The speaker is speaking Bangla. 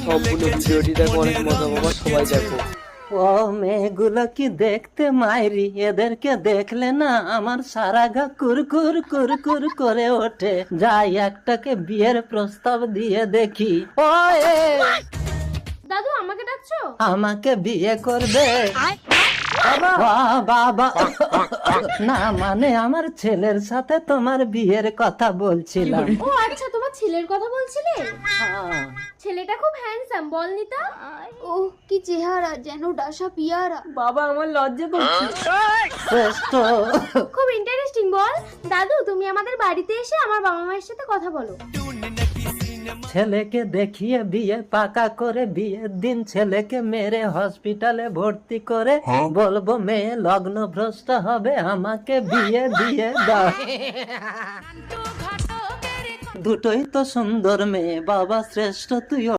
সম্পূর্ণ ভিডিওটি দেখো, অনেক মজা পাবা, সবাই দেখো। ও মেয়েগুলো কি দেখতে মাইরি, এদেরকে দেখলে না আমার সারা গা কুরকুর কুরকুর করে ওঠে। যাই একটাকে বিয়ের প্রস্তাব দিয়ে দেখি। ও দাদু আমাকে ডাকছো? আমাকে বিয়ে করবে? বাবা না, মানে আমার ছেলের সাথে তোমার বিয়ের কথা বলছিলাম। ও আচ্ছা, তোমার ছেলের কথা বলছিলে? হ্যাঁ। ছেলেটা খুব হ্যান্ডসাম, বল নিতা। ও কি চেহারা, যেন ডাসা পিয়ারা। বাবা আমার লজ্জা করছে। শ্রেষ্ঠ। খুব ইন্টারেস্টিং, বল। দাদু তুমি আমাদের বাড়িতে এসে আমার বাবা মায়ের সাথে কথা বলো। ছেলেকে দেখিয়ে বিয়ে পাকা করে, বিয়ের দিন ছেলেকে মেরে হসপিটালে ভর্তি করে বলবো মেয়ে লগ্ন ভ্রষ্ট হবে, আমাকে বিয়ে দিয়ে দাও। দুটোই তো সুন্দর মেয়ে বাবা, শ্রেষ্ঠ তুই।